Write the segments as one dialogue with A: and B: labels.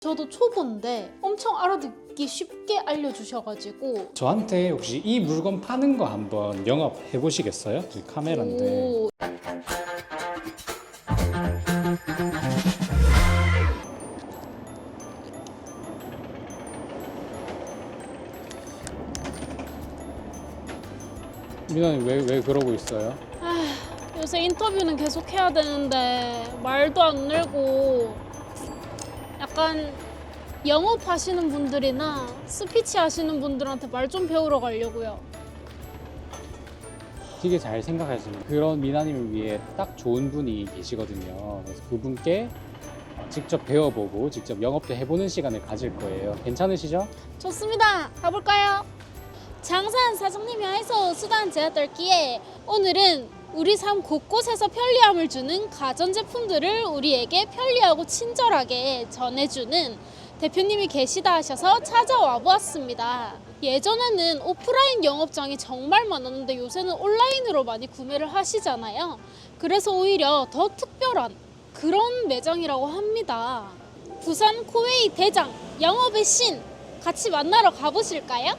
A: 저도 초보인데 엄청 알아듣기 쉽게 알려주셔가지고.
B: 저한테 혹시 이 물건 파는 거 한번 영업해 보시겠어요? 이 카메라인데.
A: 오,
B: 미나님 왜 그러고 있어요?
A: 요새 인터뷰는 계속 해야 되는데 말도 안 늘고 약간 영업하시는 분들이나 스피치 하시는 분들한테 말 좀 배우러 가려고요.
B: 되게 잘 생각하시는 그런 미나님을 위해 딱 좋은 분이 계시거든요. 그래서 그분께 직접 배워보고 직접 영업도 해보는 시간을 가질 거예요. 괜찮으시죠?
A: 좋습니다. 가볼까요? 장산 사장님이 해서 수단 제가 떨기에 오늘은 우리 삶 곳곳에서 편리함을 주는 가전제품들을 우리에게 편리하고 친절하게 전해주는 대표님이 계시다 하셔서 찾아와 보았습니다. 예전에는 오프라인 영업장이 정말 많았는데 요새는 온라인으로 많이 구매를 하시잖아요. 그래서 오히려 더 특별한 그런 매장이라고 합니다. 부산 코웨이 대장 영업의 신 같이 만나러 가보실까요?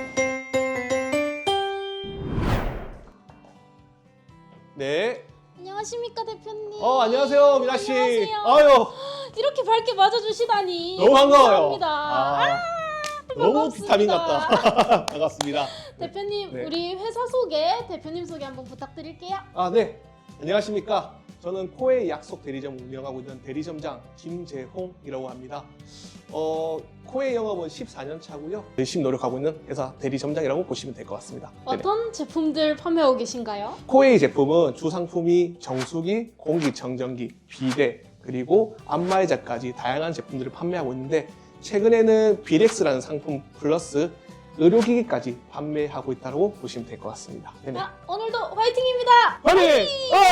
C: 네.
A: 안녕하십니까 대표님.
C: 안녕하세요, 미나 씨.
A: 안녕하세요.
C: 아유,
A: 이렇게 밝게 맞아주시다니
C: 너무 반가워요.
A: 감사합니다.
C: 너무
A: 반갑습니다.
C: 비타민 같다. 반갑습니다.
A: 대표님
C: 네.
A: 우리 회사 소개, 대표님 소개 한번 부탁드릴게요.
C: 네. 안녕하십니까. 저는 코웨이 약속 대리점 운영하고 있는 대리점장 김재홍이라고 합니다. 코웨이 영업은 14년 차고요. 열심히 노력하고 있는 회사 대리점장이라고 보시면 될 것 같습니다. 네네.
A: 어떤 제품들 판매하고 계신가요?
C: 코웨이 제품은 주상품이 정수기, 공기청정기, 비데, 그리고 안마의자까지 다양한 제품들을 판매하고 있는데 최근에는 비렉스라는 상품 플러스 의료기기까지 판매하고 있다고 보시면 될 것 같습니다. 네네.
A: 오늘도 화이팅입니다.
C: 화이팅!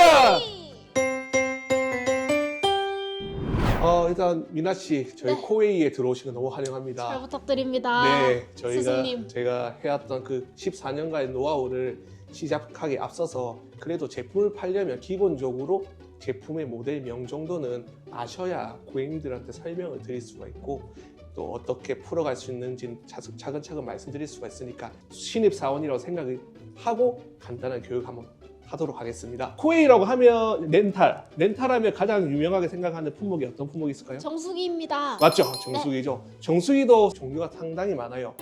C: 일단 미나 씨, 저희
A: 네.
C: 코웨이에 들어오시는 거 너무 환영합니다.
A: 잘 부탁드립니다.
C: 네,
A: 스승님.
C: 제가 해왔던 그 14년간의 노하우를 시작하기 앞서서 그래도 제품을 팔려면 기본적으로 제품의 모델명 정도는 아셔야 고객님들한테 설명을 드릴 수가 있고 또 어떻게 풀어갈 수 있는지 차근차근 말씀드릴 수가 있으니까 신입사원이라고 생각을 하고 간단한 교육 한번 하도록 하겠습니다. 코웨이라고 하면 렌탈하면 가장 유명하게 생각하는 품목이 어떤 품목이 있을까요?
A: 정수기입니다.
C: 맞죠? 정수기죠. 정수기도 종류가 상당히 많아요.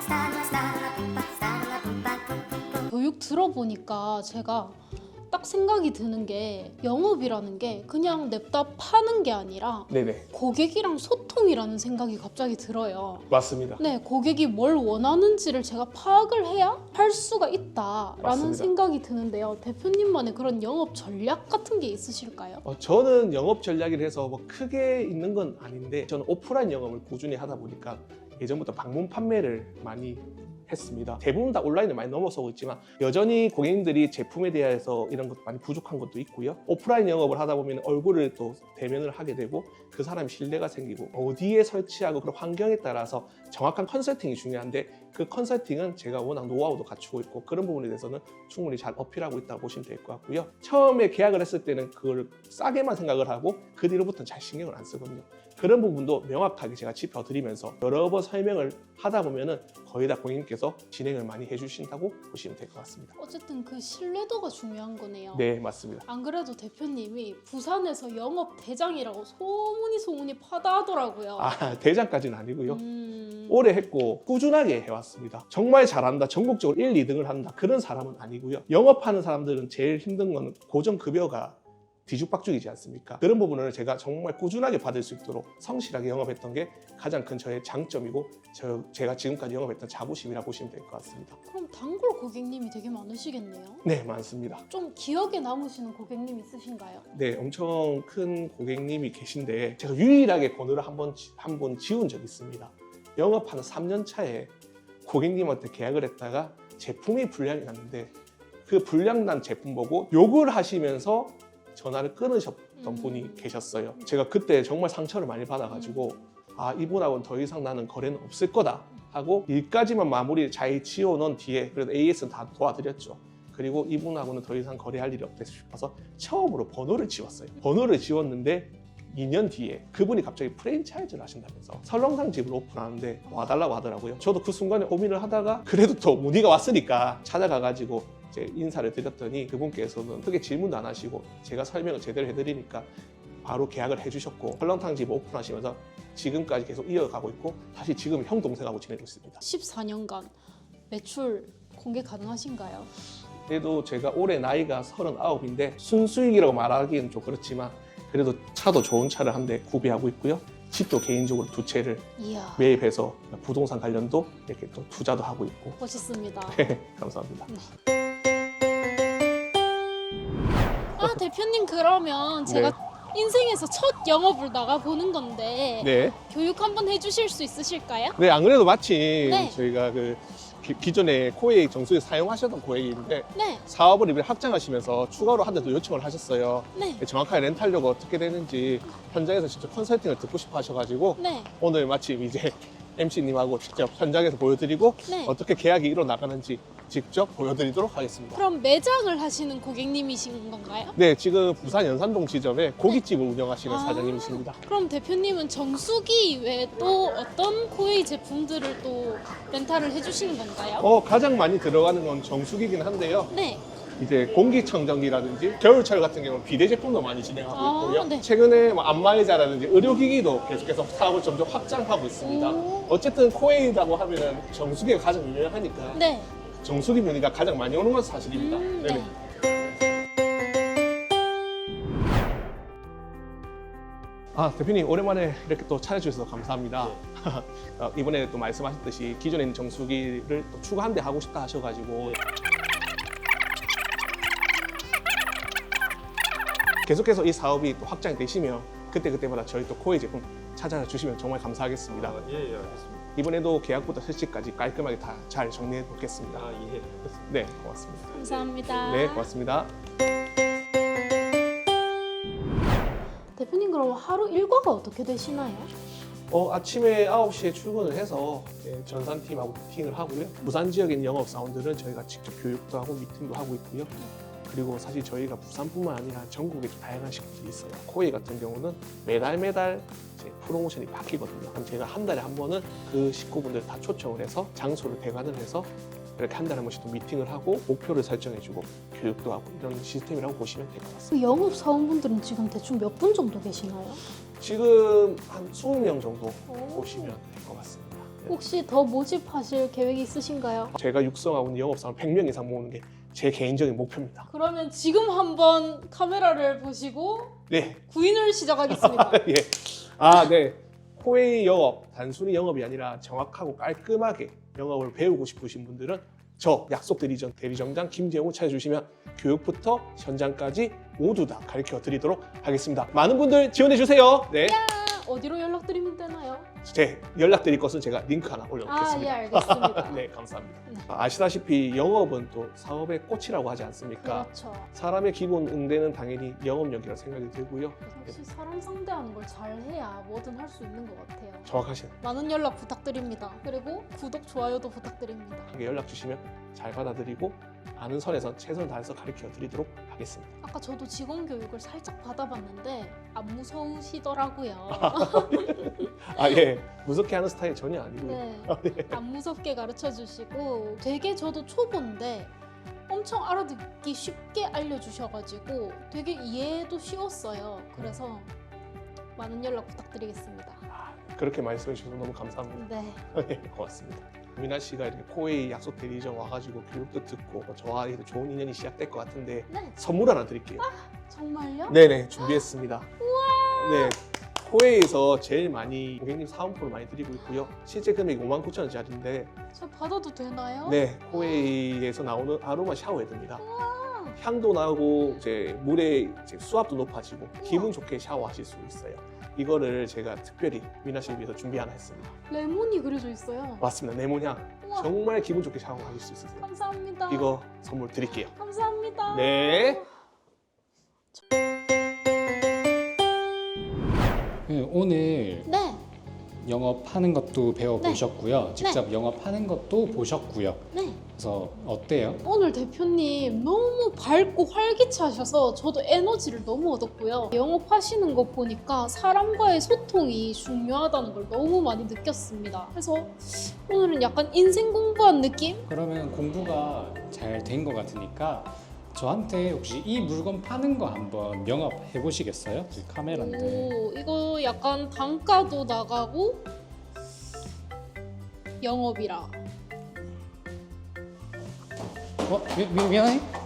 A: 교육 들어보니까 제가 딱 생각이 드는 게 영업이라는 게 그냥 냅다 파는 게 아니라
C: 네네,
A: 고객이랑 소통이라는 생각이 갑자기 들어요.
C: 맞습니다.
A: 네, 고객이 뭘 원하는지를 제가 파악을 해야 할 수가 있다라는
C: 맞습니다.
A: 생각이 드는데요. 대표님만의 그런 영업 전략 같은 게 있으실까요?
C: 저는 영업 전략을 해서 뭐 크게 있는 건 아닌데 저는 오프라인 영업을 꾸준히 하다 보니까 예전부터 방문 판매를 많이 했습니다. 대부분 다 온라인을 많이 넘어서고 있지만 여전히 고객님들이 제품에 대해서 이런 것도 많이 부족한 것도 있고요. 오프라인 영업을 하다 보면 얼굴을 또 대면을 하게 되고 그 사람이 신뢰가 생기고 어디에 설치하고 그런 환경에 따라서 정확한 컨설팅이 중요한데 그 컨설팅은 제가 워낙 노하우도 갖추고 있고 그런 부분에 대해서는 충분히 잘 어필하고 있다고 보시면 될 것 같고요. 처음에 계약을 했을 때는 그걸 싸게만 생각을 하고 그 뒤로부터는 잘 신경을 안 쓰거든요. 그런 부분도 명확하게 제가 짚어드리면서 여러 번 설명을 하다 보면은 거의 다 고객님께서 진행을 많이 해주신다고 보시면 될 것 같습니다.
A: 어쨌든 그 신뢰도가 중요한 거네요.
C: 네, 맞습니다.
A: 안 그래도 대표님이 부산에서 영업 대장이라고 소문이 파다하더라고요.
C: 대장까지는 아니고요.
A: 음...
C: 오래 했고 꾸준하게 해왔습니다. 정말 잘한다, 전국적으로 1, 2등을 한다 그런 사람은 아니고요. 영업하는 사람들은 제일 힘든 건 고정급여가 뒤죽박죽이지 않습니까? 그런 부분을 제가 정말 꾸준하게 받을 수 있도록 성실하게 영업했던 게 가장 큰 저의 장점이고 제가 지금까지 영업했던 자부심이라고 보시면 될 것 같습니다.
A: 그럼 단골 고객님이 되게 많으시겠네요?
C: 네, 많습니다.
A: 좀 기억에 남으시는 고객님 있으신가요?
C: 네, 엄청 큰 고객님이 계신데 제가 유일하게 번호를 한 번 지운 적이 있습니다. 영업하는 3년 차에 고객님한테 계약을 했다가 제품이 불량이 났는데 그 불량 난 제품 보고 욕을 하시면서 전화를 끊으셨던 분이 계셨어요. 제가 그때 정말 상처를 많이 받아가지고 이분하고는 더 이상 나는 거래는 없을 거다 하고 일까지만 마무리 잘 지어놓은 뒤에 그래도 AS는 다 도와드렸죠. 그리고 이분하고는 더 이상 거래할 일이 없다 싶어서 처음으로 번호를 지웠어요. 번호를 지웠는데 2년 뒤에 그분이 갑자기 프랜차이즈를 하신다면서 설렁탕 집을 오픈하는데 와달라고 하더라고요. 저도 그 순간에 고민을 하다가 그래도 또 문의가 왔으니까 찾아가가지고 이제 인사를 드렸더니 그분께서는 크게 질문도 안 하시고 제가 설명을 제대로 해드리니까 바로 계약을 해주셨고 설렁탕 집 오픈하시면서 지금까지 계속 이어가고 있고 사실 지금 형 동생하고 지내고 있습니다.
A: 14년간 매출 공개 가능하신가요?
C: 그래도 제가 올해 나이가 39인데 순수익이라고 말하기는 좀 그렇지만 그래도 차도 좋은 차를 한 대 구비하고 있고요. 집도 개인적으로 2채를
A: 이야,
C: 매입해서 부동산 관련도 이렇게 또 투자도 하고 있고
A: 멋있습니다.
C: 감사합니다.
A: 아, 대표님 그러면 제가 인생에서 첫 영업을 나가보는 건데
C: 네.
A: 교육 한번 해주실 수 있으실까요?
C: 네, 안 그래도 마침
A: 네.
C: 저희가 그 기존에 코웨이 정수에 사용하셨던 고객인데
A: 네,
C: 사업을 이번에 확장하시면서 추가로 한 대 더 요청을 하셨어요.
A: 네,
C: 정확하게 렌탈료가 어떻게 되는지 현장에서 직접 컨설팅을 듣고 싶어 하셔가지고
A: 네,
C: 오늘 마침 이제 MC님하고 직접 현장에서 보여드리고
A: 네.
C: 어떻게 계약이 일어나가는지 직접 보여드리도록 하겠습니다.
A: 그럼 매장을 하시는 고객님이신 건가요?
C: 네, 지금 부산 연산동 지점에 고깃집을 운영하시는
A: 아.
C: 사장님이십니다.
A: 그럼 대표님은 정수기 외에 또 어떤 코웨이 제품들을 또 렌탈을 해주시는 건가요?
C: 가장 많이 들어가는 건 정수기긴 한데요.
A: 네,
C: 이제 공기청정기라든지 겨울철 같은 경우는 비대 제품도 많이 진행하고
A: 아,
C: 있고요.
A: 네.
C: 최근에 뭐 안마의자라든지 의료기기도 계속해서 사업을 점점 확장하고 있습니다.
A: 오.
C: 어쨌든 코웨이라고 하면은 정수기가 가장 유명하니까
A: 네,
C: 정수기 문의가 가장 많이 오는 건 사실입니다. 네네.
A: 네.
C: 아, 대표님 오랜만에 이렇게 또 찾아주셔서 감사합니다. 이번에 또 말씀하셨듯이 기존에 있는 정수기를 또 추가 한 대 하고 싶다 하셔가지고 계속해서 이 사업이 또 확장이 되시면 그때마다 저희 또 코웨이 제품 찾아주시면 정말 감사하겠습니다.
D: 예, 알겠습니다.
C: 이번에도 계약부터 실시까지 깔끔하게 다 잘 정리해 놓겠습니다.
D: 예.
C: 네, 고맙습니다.
A: 감사합니다.
C: 네, 고맙습니다.
A: 대표님 그럼 하루 일과가 어떻게 되시나요?
C: 아침에 9시에 출근을 해서 전산팀하고 미팅을 하고요. 부산 지역에 있는 영업사원들은 저희가 직접 교육도 하고 미팅도 하고 있고요. 그리고 사실 저희가 부산뿐만 아니라 전국에 다양한 식구들이 있어요. 코웨이 같은 경우는 매달 이제 프로모션이 바뀌거든요. 그럼 제가 한 달에 한 번은 그 식구분들 다 초청을 해서 장소를 대관을 해서 이렇게 한 달에 한 번씩 또 미팅을 하고 목표를 설정해주고 교육도 하고 이런 시스템이라고 보시면 될 것 같습니다.
A: 그 영업 사원분들은 지금 대충 몇 분 정도 계시나요?
C: 지금 한 20명 정도 보시면 될 것 같습니다. 네.
A: 혹시 더 모집하실 계획이 있으신가요?
C: 제가 육성하고 있는 영업사원 100명 이상 모으는 게 제 개인적인 목표입니다.
A: 그러면 지금 한번 카메라를 보시고
C: 네.
A: 구인을 시작하겠습니다.
C: 예. 네. 코웨이 영업, 단순히 영업이 아니라 정확하고 깔끔하게 영업을 배우고 싶으신 분들은 저 약속드리전 대리점장 김재용을 찾아주시면 교육부터 현장까지 모두 다 가르쳐 드리도록 하겠습니다. 많은 분들 지원해 주세요. 네.
A: 어디로 연락드리면 되나요?
C: 제 연락드릴 것은 제가 링크 하나 올려놓겠습니다.
A: 아, 예, 알겠습니다.
C: 네, 감사합니다.
A: 네.
C: 아시다시피 영업은 또 사업의 꽃이라고 하지 않습니까?
A: 그렇죠.
C: 사람의 기본 응대는 당연히 영업력이라 생각이 들고요.
A: 역시 사람 상대하는 걸 잘해야 뭐든 할 수 있는 것 같아요.
C: 정확하신
A: 많은 연락 부탁드립니다. 그리고 구독, 좋아요도 부탁드립니다.
C: 연락 주시면 잘 받아드리고 아는 선에서 최선을 다해서 가르쳐 드리도록 하겠습니다.
A: 아까 저도 직원 교육을 살짝 받아봤는데 안 무서우시더라고요.
C: 예. 무섭게 하는 스타일 전혀 아니고요.
A: 네, 안 무섭게 가르쳐 주시고 되게 저도 초보인데 엄청 알아듣기 쉽게 알려주셔가지고 되게 이해도 쉬웠어요. 그래서 많은 연락 부탁드리겠습니다.
C: 그렇게 말씀해 주셔서 너무 감사합니다.
A: 네,
C: 고맙습니다. 미나 씨가 이렇게 코웨이 약속 대리점 와가지고 교육도 듣고 저와 이렇게 좋은 인연이 시작될 것 같은데
A: 네,
C: 선물 하나 드릴게요.
A: 정말요?
C: 네네, 준비했습니다. 네. 코웨이에서 제일 많이 고객님 사은품을 많이 드리고 있고요. 실제 금액이 59,000원짜리인데
A: 저 받아도 되나요?
C: 네, 코웨이에서 나오는 아로마 샤워헤드입니다. 향도 나고 이제 물의 이제 수압도 높아지고 기분 좋게 샤워하실 수 있어요. 이거를 제가 특별히 미나 씨를 위해서 준비 하나 했습니다.
A: 레몬이 그려져 있어요.
C: 맞습니다. 레몬향.
A: 우와.
C: 정말 기분 좋게 샤워하실 수 있으세요.
A: 감사합니다.
C: 이거 선물 드릴게요.
A: 감사합니다.
C: 네.
B: 오늘
A: 네,
B: 영업하는 것도 배워보셨고요. 직접 영업하는 것도 보셨고요.
A: 네.
B: 그래서 어때요?
A: 오늘 대표님 너무 밝고 활기차셔서 저도 에너지를 너무 얻었고요. 영업하시는 거 보니까 사람과의 소통이 중요하다는 걸 너무 많이 느꼈습니다. 그래서 오늘은 약간 인생 공부한 느낌?
B: 그러면 공부가 잘 된 것 같으니까 저한테 혹시 이 물건 파는 거 한번 영업해 보시겠어요? 그 카메라인데.
A: 오, 이거 약간 단가도 나가고 영업이라.
B: 미안해?